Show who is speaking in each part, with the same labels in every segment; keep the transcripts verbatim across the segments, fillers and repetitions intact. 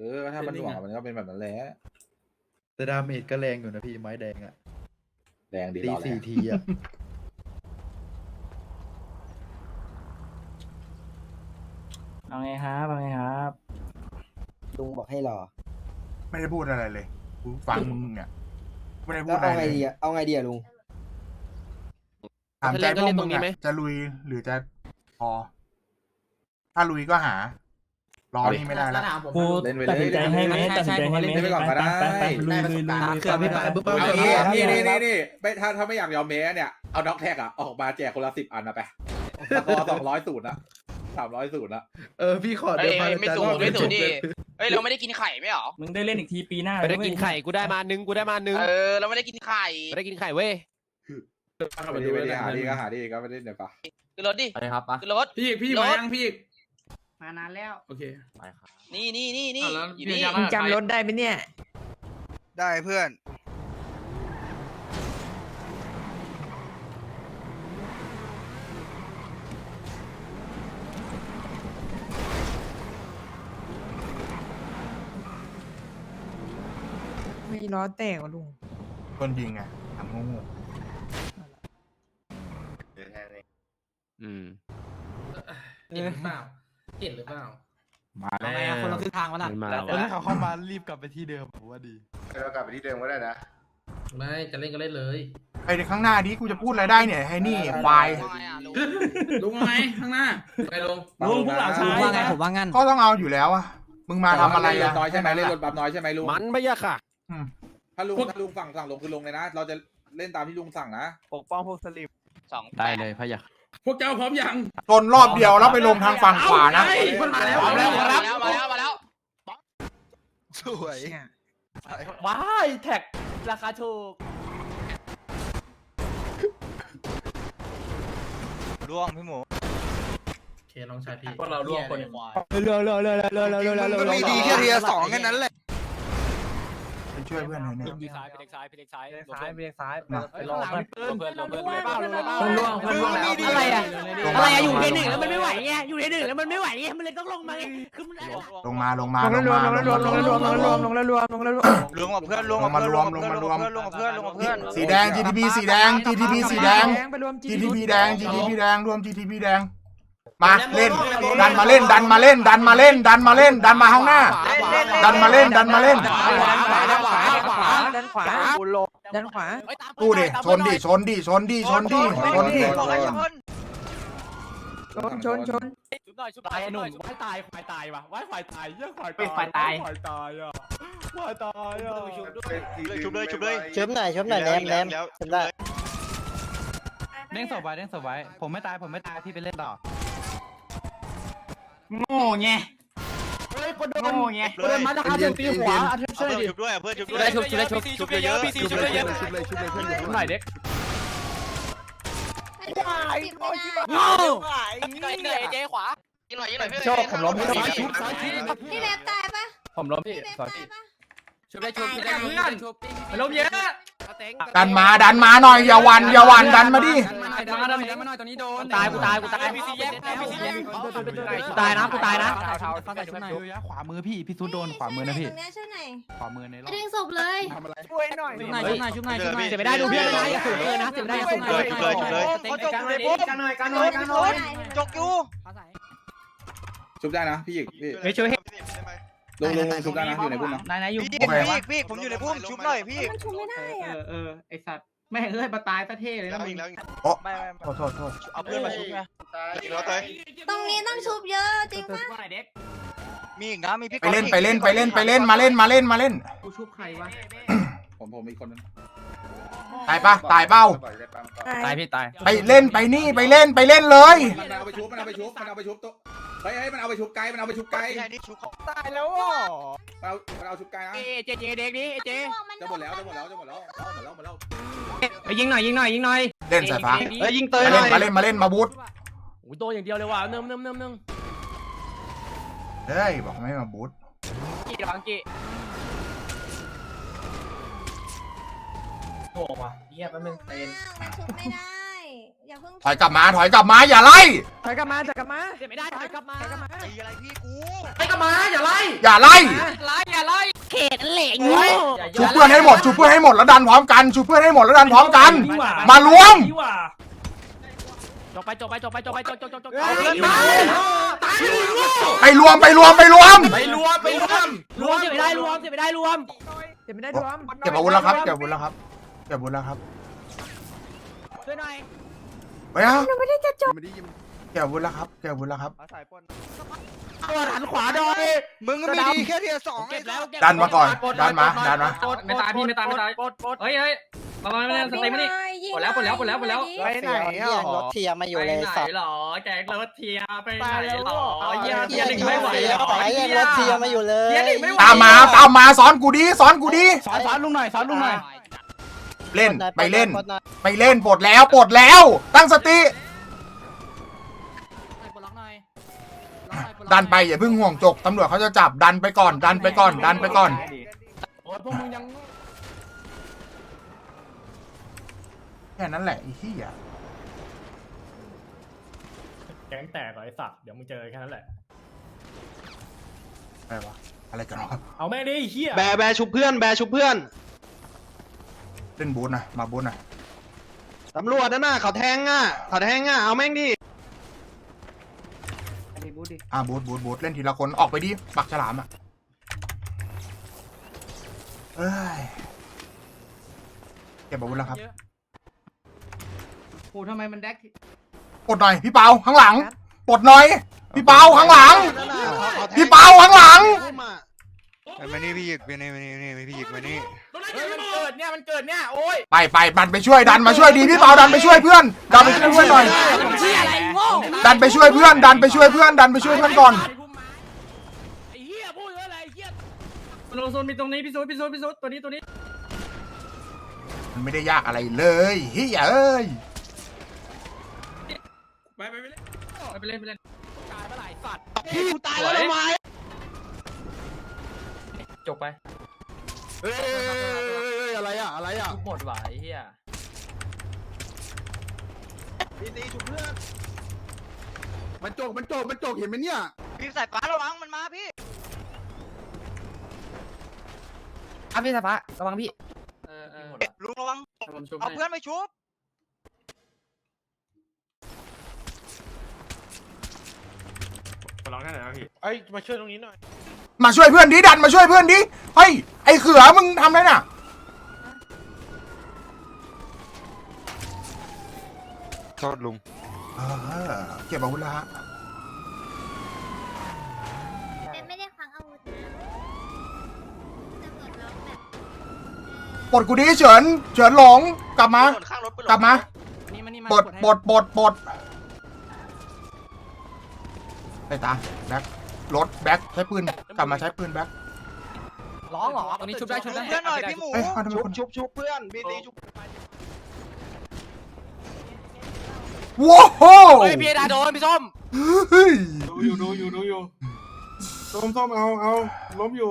Speaker 1: ออถ้ามันหน่วงมันก็เป็นแบบนั้นแหละ
Speaker 2: แต่ดาเมจก็แรงอยู่นะพี่ไม้แดงอะ
Speaker 1: แรงดี
Speaker 2: ตี
Speaker 1: รอแล้
Speaker 2: สี่
Speaker 1: ว
Speaker 2: ทีอะ
Speaker 3: เอาไงครับเอาไงครับ
Speaker 4: ลุงบอกให้รอ
Speaker 5: ไม่ได้พูดอะไรเลยกูฟังมึงเนี่ยไม่ได้พู
Speaker 4: แล้
Speaker 5: ด
Speaker 4: ว
Speaker 5: อะไร
Speaker 4: เอาไง
Speaker 5: เลย
Speaker 4: ดีอะเอาไงดีอะลุง
Speaker 5: ถามใจพวกมึงอะจะลุยหรือจะพอ ถ้าลุยก็หา รอนี่ไม่ได้แล้ว
Speaker 3: กูตัดสินใจให้ไหมตัดสินใจให้ไหม
Speaker 1: เล่นไปก่อนก็ได้
Speaker 3: ไปลุยลุยลุย
Speaker 2: เขื่อนไม่ไปปุ๊บ
Speaker 1: เอา
Speaker 2: เอา
Speaker 1: งี้
Speaker 2: เ
Speaker 1: นี่นี่นี่นี่ไม่ถ้าถ้าไม่อยากยอมแม้เนี่ยเอาด็อกแท็กอะออกมาแจกคนละสิบอันนะไปสกอร์สองร้อยศูนย์อะสามร้อยศูนย์อะ
Speaker 2: เออพี่ขอ
Speaker 6: เฮ้
Speaker 2: เดิ
Speaker 6: ย
Speaker 2: นมา
Speaker 6: ไม่สูงไม่สูงดิเฮ้ยเราไม่ได้กินไข่ไม่หรอ
Speaker 3: มึงได้เล่นอีกทีปีหน้า
Speaker 7: ไม่ได้กินไข่กูได้มาหนึ่งกูได้มาหนึ่ง
Speaker 6: เออเราไม่ได้กินไข่
Speaker 7: ไม่ได้กินไข่เว้ย
Speaker 1: ไม่ดีไม่ดีหาดีก็หาดีก็ไม่ได้เดี๋ยวปะ
Speaker 6: ขึ้นรถดิ
Speaker 7: ไปครับปะ
Speaker 6: ขึ้นรถ
Speaker 8: พี่พี่มายังพี่
Speaker 3: มานานแล้ว
Speaker 8: โอเค
Speaker 7: ไปครับ
Speaker 6: นี่นี่นี่นี่
Speaker 8: อ่ะแล้ว
Speaker 6: อยู่
Speaker 8: พี่
Speaker 6: นี่
Speaker 8: ยัง
Speaker 3: มึงจำรถได้ไหมเนี่ย
Speaker 9: ได้เพื่อน
Speaker 3: ไม่ล้อแตกวะลุง
Speaker 5: คนยิงอะทำงู
Speaker 7: อืม
Speaker 8: เห็นหรือเปล่าเห็นหรือเปล่า
Speaker 5: มาแล้ว
Speaker 3: คนเราคือทางวะล่ะ
Speaker 7: มันมา
Speaker 2: แล้ว
Speaker 7: ว่ะ
Speaker 2: ถ้าเขาเข้ามารีบกลับไปที่เดิมผมว่าดี
Speaker 9: เรากลับไปที่เดิมก็ได้นะ
Speaker 8: ไม่จะเล่นก็เล่นเลย
Speaker 5: ไอ้ข้างหน้านี้กูจะพูดอะไรได้เนี่ยให้นี่ควาย
Speaker 8: ลุงไงข้างหน้าไปลง
Speaker 3: ลุงผู้หลังชายว่าไงผมว่างั้น
Speaker 5: ก็ต้องเอาอยู่แล้วอะมึงมาทำอะไร
Speaker 1: เล่น
Speaker 5: อะ
Speaker 1: น้อยใช่ไหมเล่นรถบัมน้อยใช่ไหมลุง
Speaker 7: มันไม่ยากค่ะ
Speaker 5: อืม
Speaker 1: ถ้าลุงถ้าลุงสั่งสั่งลงคือลงเลยนะ เราจะเล่นตามที่ลุงสั่งนะ
Speaker 4: ปกป้องพวกสลิม
Speaker 6: สอง
Speaker 7: ได้เลยพะยะ
Speaker 8: พวกเจ้าพร้อมยัง
Speaker 5: ชนรอบเดียวแล้วไปลงทางฝั่งขวานะ
Speaker 8: เอ้ยมันมาแล้ว
Speaker 6: มา
Speaker 8: มา
Speaker 6: แล้
Speaker 8: แล้ว ว
Speaker 6: มาแล้วมาแล้วมาแล้ว
Speaker 9: สวย
Speaker 3: ว้ายแท็กราคาถูก
Speaker 9: ล่วงพี่หมู
Speaker 8: โอเคลองชายพี่
Speaker 3: พวกเราร่วมคน
Speaker 9: เรือเรือเรือเรือเรือเรือเรือมีดีแค่เทียสองแค่นั้นแหละ
Speaker 5: ไปช่วยเพื่อนหน่อยเนี่ย
Speaker 7: พี่ซ้ายพี่เล็กซ้ายพี่เล็กซ้าย
Speaker 3: ซ้ายไปซ้าย
Speaker 5: มา
Speaker 3: ไปรอเพื่อน
Speaker 7: เพื่อนเพื่อนเพื่อนเพื่อน
Speaker 3: คนล่วงคนล่วงแล้ว
Speaker 4: อะไรอะ
Speaker 3: อะไรอะอยู่ในหนึ่งแล้วมันไม่ไหวไงอยู่ในหนึ่งแล้วมันไม่ไหวไงมันเลยต้องลงมาไงคือมัน
Speaker 5: ลงมาลงมา
Speaker 4: ลงแล้วรวมลงแล้วรวมลงแล้วรวมลงแล้วรวมลงแล้วรวมลงแล้วรวม
Speaker 9: รวมกับเพื่อนรวมกับเพื่อนรวมกับเพื่อนรวมกับเพื่อนรวมกับเพื่อนรวมกับเพื่อน
Speaker 5: สีแดง จี ที พี สีแดง จี ที พี สีแดง
Speaker 4: ไปรวม
Speaker 5: จี ที พี แดง จี ที พี แดง รวม จี ที พี แดง มาเล่น ดันมาเล่น ดันมาเล่น ดันมาเล่น ดันมาเล่น ดันมาข้างหน้า ดันมาเล่น ดันมาเล่น
Speaker 4: ด้านขวาด้านขวาด้านขวาด้านขวา
Speaker 5: ตู้ดิ ชนดิ ชนดิ ชนดิ ชนดิ ชนดิ
Speaker 4: ชนชนชน
Speaker 7: ชุบหน่อยชุบตายหนุ่มว่ายตายควายตายวะว่ายควายตายเยี่ยควาย
Speaker 3: ควายตาย
Speaker 7: ควายตายอ่ะควายตายอ่ะ
Speaker 9: ชุบเลยชุบเลย
Speaker 4: ชมหน่อยชมหน่อยแรมแรมชมได้
Speaker 2: เด้งศพไว้เด้งศพไว้ผมไม่ตายผมไม่ตายพี่ไปเล่นต่อ
Speaker 3: โง่ไงโง่ไง
Speaker 9: เดินมา
Speaker 3: อาเทนตีหัวอาเทน
Speaker 9: เพื่อนชุบด้วยเพื่อนชุบด้วย
Speaker 7: ชุบชุบชุบชุบเยอะพี่ซีชุบเยอะ
Speaker 2: ชุบเลยชุบเลยชุบเลย
Speaker 7: ชุบหน่อยเด็ก
Speaker 3: โง่
Speaker 6: กินหน่อยกินหน่อยเจ๊ขวากินหน่อยกินหน่อยพี่
Speaker 4: โชคผมล้มให้
Speaker 6: พี่
Speaker 4: ชุบ
Speaker 10: พี่เล็บตายปะ
Speaker 7: ผมล้มพี่
Speaker 10: พี่เล็บ
Speaker 7: สอ
Speaker 10: ตาย
Speaker 7: พี่
Speaker 10: ปะ
Speaker 7: ชุบได้ชุบชุบได้ชุบได้ชุบ
Speaker 3: มันล้มเยอะ
Speaker 5: ดันมา ดันมาหน่อย อย่าหวัน อย่าหวัน ดันมาดิ
Speaker 3: ดันมาหน่อยดันมาหน่อยดันมาหน่อยตอนนี้โดนตายกูตายกูตาย
Speaker 7: พี่ซีแยกพี่ซีแยก
Speaker 3: กูตายนะกูตายนะ
Speaker 2: ฟังแต่ชุบหน่อยขวามือพี่พี่ซูโดนขวามือนะพี่
Speaker 10: ตรงเนี้ยช่วยหน่อย
Speaker 2: ขวามือในรอบ
Speaker 10: ดึงศพเลย
Speaker 4: ช่วยหน่อย
Speaker 3: ชุบหน่อยชุบหน่อยชุบหน่อยชุบหน่อยเสียไม่ได้ดูเพื่อนนะอย่าสูงเกินนะเสียไม่ได้อย่าสูงเกิน
Speaker 9: เขาจกอยู่ในปุ๊บ
Speaker 3: กันหน่อยกันหน่อยกันหน่อย
Speaker 9: จกอยู่
Speaker 1: ชุบได้นะพี่หยิกพี่
Speaker 3: ไม่ช่วย
Speaker 1: ลุงลุงลุงชุบได้นะอยู่ในพุ่มนะ
Speaker 3: นายนายอยู่
Speaker 9: พี่พี่พี่ผมอยู่ในพุ่มชุบหน่อยพี่
Speaker 10: มันชุบไม่ได้อะ
Speaker 3: เออไอสัตว์แม่งเอ้ยมาตายซะเท่เลยนะมึง
Speaker 9: ไม่ไม่
Speaker 5: ขอโทษโทษ
Speaker 9: เอาเพื่อนมาชุบไงแล้วเตย
Speaker 10: ตรงนี้ต้องชุบเยอะจริงปะ
Speaker 3: เด็ก
Speaker 9: มีอีกนะมีพี่
Speaker 5: ไปเล่น ไปเล่น ไปเล่น ไปเล่น มาเล่น มาเล่น มาเล่น
Speaker 3: กูชุบใครวะ
Speaker 1: ผมผมอีกคนนึง
Speaker 5: ตายปะตายเป้า
Speaker 7: ตายพี่ตาย
Speaker 5: ไปเล่น ไปนี่ ไปเล่น ไปเล่นเลย
Speaker 1: มันเอาไปชุบมันเอาไปชุบมันเอาไปชุบตัวเฮ้ยเฮ้ยมันเอาไปชุบไกลมันเอาไปชุบไกล
Speaker 9: ใช่นี่ชุบของ
Speaker 4: ตายแล้วอ่ะ
Speaker 1: มันเอามันเอาชุบไกลนะ
Speaker 3: เจเจเด็กนี้เจ
Speaker 1: จะหมดแล้วจะหมดแล้วจะหมดแล้วหมดแล้วหมดแล้ว
Speaker 3: ไปยิงหน่อยยิงหน่อยยิงหน่อย
Speaker 5: เล่นสายฟ้า
Speaker 3: เฮ้ยยิงเตย
Speaker 5: มาเล่น มาเล่น มาเล่น มาบูท
Speaker 7: โอ้ยโดนอย่างเดียวเลยว่ะเนิ่มเนิ่มเนิ่มเนิ่ม
Speaker 5: เฮ้ย บอกไม่มาบูท
Speaker 3: กี่บังกี่โง่ว่ะเหี้ยแป๊บนึงเต้น
Speaker 10: มันชุบไม่ได้อย่าเพิ่ง
Speaker 5: ถอยกลับมา ถอยกลับมา อย่าไล่
Speaker 4: ถอยกลับมาถอยกลับมา
Speaker 3: เจ็บไม่ได้ถอยกลับมา
Speaker 4: ถอยกลับมา
Speaker 9: ตีอะไรพี่กู
Speaker 3: ไปกลับมาอย่าไล่
Speaker 5: อย่าไล่
Speaker 3: ไล่เขตนั่นแหละโง่
Speaker 5: ชุบเพื่อนให้หมดชุบเพื่อนให้หมดแล้วดันพร้อมกันชุบเพื่อนให้หมดแล้วดันพร้อมกัน มารวม
Speaker 3: จบไปจบไปจบไปจบไปจบจบจบจบ
Speaker 5: ไปรวมไปรวมไปรวม
Speaker 8: ไปรวมไปรวม
Speaker 3: รวมเสียไม่ได้รวมเสียไม่ได้รวม
Speaker 4: เก็บไม่ได้รวม
Speaker 5: เก็บอาวุธแล้วครับเก็บอาวุธแล้วครับเก็บอาวุธแล้วครับ
Speaker 3: ช่วยหน่อย
Speaker 5: ไปนะเก็บอาวุธแล้วครับเก็บอาวุธแล้วครับ
Speaker 3: ตัวหันขวาดอย
Speaker 9: มึงก็ไม่ดีแค่เทียร์สอง
Speaker 3: เก็บแล้ว
Speaker 5: ดันมาก่อนดันมาดันมา
Speaker 8: ไม่ตายพี่ไม่ตายไม่ตายเฮ้ยเฮ้ยมามามาสเต็มนี่ หมดแล้วหมดแล้วหมดแล้วหมดแล้ว
Speaker 9: ไปไหนอ่ะรถเทียร์มาอยู่เลยสัตว์
Speaker 8: หรอแกงรถเทียไปไหนหรอ
Speaker 9: เทียร์ไม่ไหวสายยังรถเทียร์มาอยู่เลย
Speaker 5: ตามมาตามมาสอนกูดีสอนกูดี
Speaker 2: สอนสอนลุงหน่อยสอนลุงหน่อย
Speaker 5: เล่นไปเล่น ไปเล่นปลดแล้วปลดแล้ว ตั้งสติดันไปอย่าเพิ่งห่วงจกตำรวจเขาจะจับดันไปก่อนดันไปก่อนดันไปก่อน
Speaker 7: โอ้ยพวกมึงยัง
Speaker 5: แค่นั้นแหละไอ้ที่อ่ะ
Speaker 7: แก๊งแตกเหรอไอ้สัตว์เดี๋ยวมึงเจอแค่นั้นแหละ
Speaker 5: อะไรวะอะไรกันวะ
Speaker 7: เอาแม่งดิไอ้เหี้ย
Speaker 9: แบแบชุบเพื่อนแบชุบเพื่อน
Speaker 5: เล่นบูธหนะมาบูธหนะ
Speaker 9: ตำรวจนั่นน่ะเขาแทงอ่ะเขาแทงอ่ะเอาแม่งดิ
Speaker 5: อ่ะบูธบูธบูธเล่นทีละคนออกไปดิปักฉลามอ่ะเอ้ยเก็บอาวุธแล้วครับ
Speaker 2: โอ้ทำไมมันแดก
Speaker 5: ปลดหน่อยพี่เปาข้างหลังปลดหน่อยพี่เปาข้างหลัง พี่เปาข้างหลัง
Speaker 9: มานี่พี่หยิกมานี่มานี่มานี่พี่หยิกมานี่
Speaker 7: เฮ้ยมันเกิดเนี่ยมันเกิดเนี่ยโอ้ย
Speaker 5: ไปไปดันไปช่วยดันมาช่วยดีพี่เปาดันไปช่วยเพื่อนดันไปช่วยเพื่อนหน่อย
Speaker 3: เชี่ยอะไรโง่
Speaker 5: ดันไปช่วยเพื่อนดันไปช่วยเพื่อนดันไปช่วยเพื่อนก่อน
Speaker 3: ไอ้เหี้ยพูดอะไรไอ้เหี้ย
Speaker 8: โลโซนมีตรงนี้พี่ซูพี่ซูพี่ซูตัวนี้ตัวนี้
Speaker 5: มันไม่ได้ยากอะไรเลยเฮ้ยเอ้ย
Speaker 8: ไปไปไปเล่นไปเล่นไปเล่น
Speaker 3: ตายเมื่อไหร่สัตว์
Speaker 9: พี่กูตายแล้วทำไม
Speaker 8: จบไป
Speaker 9: เฮ้ยอะไรอ่ะอะไรอ่ะ
Speaker 8: ทุกหมดหวายเฮีย
Speaker 9: พี่ตีชุบเพื่อนมันโจกมันโจกมันโจกเห็นไหมเนี่ย
Speaker 6: พี่สายฟ้าระวังมันมาพี่
Speaker 4: อ่ะพี่สภาระวังพี่
Speaker 8: เออเออ
Speaker 6: ลุงระวังเอาเพื่อนไปชุบ
Speaker 7: ขอร้องแค่ไหนนะพี่
Speaker 9: ไอ้มาช่วยตรงนี้หน่อย
Speaker 5: มาช่วยเพื่อนดิดันมาช่วยเพื่อนดิเฮ้ยไอ้เขือมึงทำอะไรน่ะ
Speaker 9: โทษลุง
Speaker 5: เออเก็บอาวุธแล้วฮะ
Speaker 10: เป็นไม่ได้ควังอาวุธนะตำรวจล็อกแบบ
Speaker 5: ปลดกูดิเฉินเฉินหลงกลับมา
Speaker 6: ข้างรถ
Speaker 5: กลับมา
Speaker 2: นี่มันนี่มา
Speaker 5: ปลดปลดปลดปลดไปตาแบ็ครถแบ็คใช้ปืนกลับมาใช้ปืนแบ็ค
Speaker 4: ร้องเหรอ
Speaker 2: ตรงนี้ชุบได้ชุบได้
Speaker 6: เพื่อนหน่อยพี่หมู
Speaker 5: เอ้ยเอาทำไม
Speaker 9: ชุบ
Speaker 5: คน
Speaker 9: ชุบชุบเพื่อนพี่ตีชุบ
Speaker 5: ว้าวโห
Speaker 3: เฮ้ยพี่ดาโดนพี่ส้ม
Speaker 5: เฮ้ย
Speaker 8: ดูอยู่ดูอยู่ดูอยู่ส้มส้มเอาเอาล้มอยู่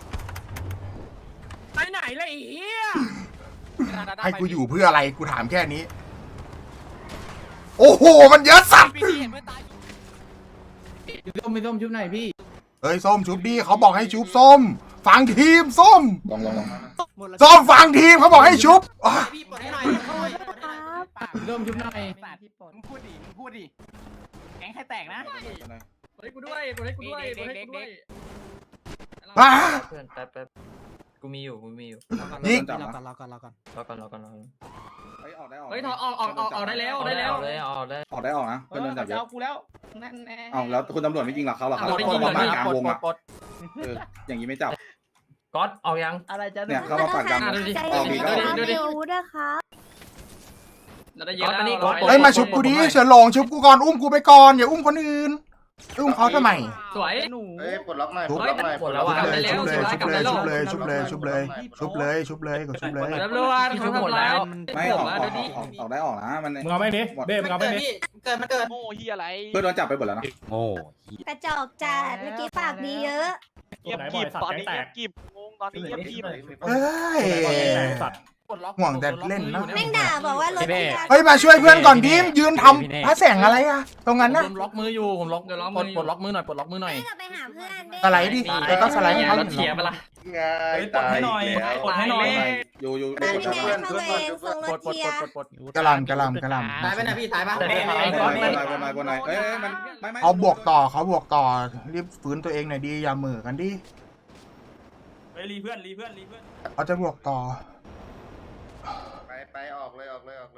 Speaker 3: ไปไหนเลยไอ้เหี้ย
Speaker 5: ให้กูอยู่เพื่ออะไรกูถามแค่นี้ โอ้โหมันเยอะสัตว์
Speaker 3: พี่เห็นเพื่อนตาย
Speaker 2: พี่ส้มพี่ส้มชุบหน่อยพี่
Speaker 5: เฮ้ยส้มชุบดิเขาบอกให้ชุบส้มฟังทีมส้ม
Speaker 1: ลองลองลอง
Speaker 5: ส้มฟังทีมเขาบอกให้ชุบอ่ะ
Speaker 3: พี่ปลดให้หน่อย
Speaker 10: ครับ
Speaker 2: พี่ส้มชุบหน่อย
Speaker 3: มึงพูดดิมึงพูดดิแก๊งใครแตกนะ
Speaker 8: เฮ้ยกูด้วยกูให้กูด้วยกูให้กูด้วย
Speaker 5: อ่ะ
Speaker 8: เพื่อนแป๊บแป๊บกูมีอยู่กูมีอยู่
Speaker 5: ยิง
Speaker 1: จับ
Speaker 4: รอ
Speaker 1: นะ
Speaker 4: ก่อนรอก่อนรอก่อน
Speaker 8: รอก่อนรอก่อนรอก่อน
Speaker 1: เฮ้ยออกได้ออก
Speaker 8: เฮ้ยถอดออกออกออกออกได้แล้วได้แล้วได้ออกได้
Speaker 1: ออกได้ออกนะเพื่อนโดนจับเยอะ
Speaker 3: เอากูแล้วนั่นแน่
Speaker 1: เอาแล้วคุณตำรวจไม่ยิงหรอเขาหรอครับ
Speaker 8: ไม่ยิง
Speaker 1: เขา
Speaker 8: เล
Speaker 1: มาย กลางวง
Speaker 8: ปล
Speaker 1: อ่ะ
Speaker 8: ดปลด
Speaker 1: เอออย่างนี้ไม่จับ
Speaker 8: ก๊อตออกยัง
Speaker 4: อะไรจะ
Speaker 1: เนี่ยเขามาปากกลางวง
Speaker 10: ใจ
Speaker 1: ออกอี
Speaker 10: เย็
Speaker 1: ก
Speaker 10: น
Speaker 1: แล้ว
Speaker 10: ๆนะมีอาวุธนะคะ
Speaker 8: เราได้เยอะแล้ว
Speaker 5: เฮ้ยมาชุบกูดิเฉินหลงชุบกูก่อนอุ้มกูไปก่อนอย่าอุ้มคนอื่นอุ้มเขาทำไม
Speaker 8: สวย
Speaker 4: หนู
Speaker 9: เฮ้ยปลดล็อกหน่อย
Speaker 5: ชุบ
Speaker 9: ปลดล็อกหน่อย
Speaker 8: ปลดแล้วอะ
Speaker 5: ชุบเลยชุบเลยชุบเลยชุบเลยชุบเลยชุบเลยชุบเลยชุบเลยกดชุบเลย
Speaker 8: ตำรวจเขาทำร้าย
Speaker 1: ไม่ออกออกออกออกออกได้ออกนะมัน
Speaker 7: มึงเอาแม่งดิเบ้มึงเอาแม่งดิ
Speaker 6: เกิดมันเกิดโง่เฮียอะไร
Speaker 1: เพื่อนโดนจับไปหมดแล้วนะ
Speaker 10: กระจอกจัดเมื่อกี้ปากดีเยอะ
Speaker 7: เงียบกีบตอนนี้เงียบกีบ
Speaker 6: งงตอนนี้เงียบกีบ
Speaker 5: เฮ้ย
Speaker 7: สัตว์
Speaker 5: ห่วงแต่เล่นนะ
Speaker 10: แม่งด่าบอกว่ารถ
Speaker 5: เฮ้ยมาช่วยเพื่อนก่อนดิมยืนทำพระแสงอะไรอะตรงนั้นนะ
Speaker 7: ผมล็อกมืออยู่ผมล็อกปลดปลดล็อกมือหน่อยปลดล็อกมือหน่อย
Speaker 10: จะไปหาเพื่อนดิ
Speaker 5: สไลด์ดิแล้วก็สไลด์ให้เขา
Speaker 8: ร
Speaker 5: เห็
Speaker 8: ถ
Speaker 5: น
Speaker 8: เสียไปละ
Speaker 2: เฮ้ยปลดให้หน่อยปลดให้หน่อย
Speaker 1: อยู่อยู่
Speaker 10: นั่นไงเข้าไปส่งร
Speaker 7: ปล
Speaker 10: ถ
Speaker 7: ดปลด
Speaker 10: เทีย
Speaker 7: ปลดปลด
Speaker 5: กระลำกระลำกระล
Speaker 4: ตายไปนะพี่ตายปะ
Speaker 1: บนไหนบนไหนบนไหนเอ้ยมันไม่ไม่
Speaker 5: ำเขาบวกต่อเขาบวกต่อรีบฝืนตัวเองหน่อยดีอย่าเหม่อกันดิ
Speaker 7: เฮ้ยรีเพื่อนรีเพื่อนรีเพื่อน
Speaker 5: เขาจะบวกต่อ
Speaker 9: ไปไปออกเลยออกเลยออกเลย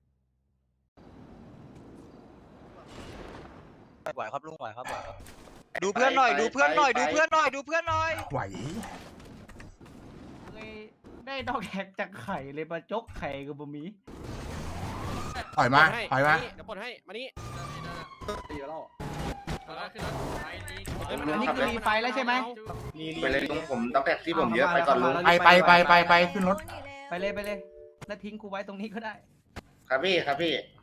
Speaker 6: ไหวครับลุงไหวครับไหวครับดูเพื่อนหน่อยดูเพื่อนหน่อยดูเพื่อนหน่อยดูเพื่อนหน่อย
Speaker 5: ไหว
Speaker 2: ได้ดอกแขกจากไข่เลยมาจกไข่กับบะหมี่
Speaker 5: ถอยมาถอยมา
Speaker 9: เดี๋ยวปลดให้มานี่
Speaker 1: ตีแล้ว
Speaker 2: อันนี้คือรีไฟแล้วใช่ไหม
Speaker 9: ไปเลยลุงผมต้องแท็กที่ผมเยอะไปก่อนลุง
Speaker 5: ไปไปไปไปไปขึ้นรถ
Speaker 2: ไปเลยไปเลยแล้วทิ้งกูไว้ตรงนี้ก็ได้
Speaker 9: ครับพี่ครับพี่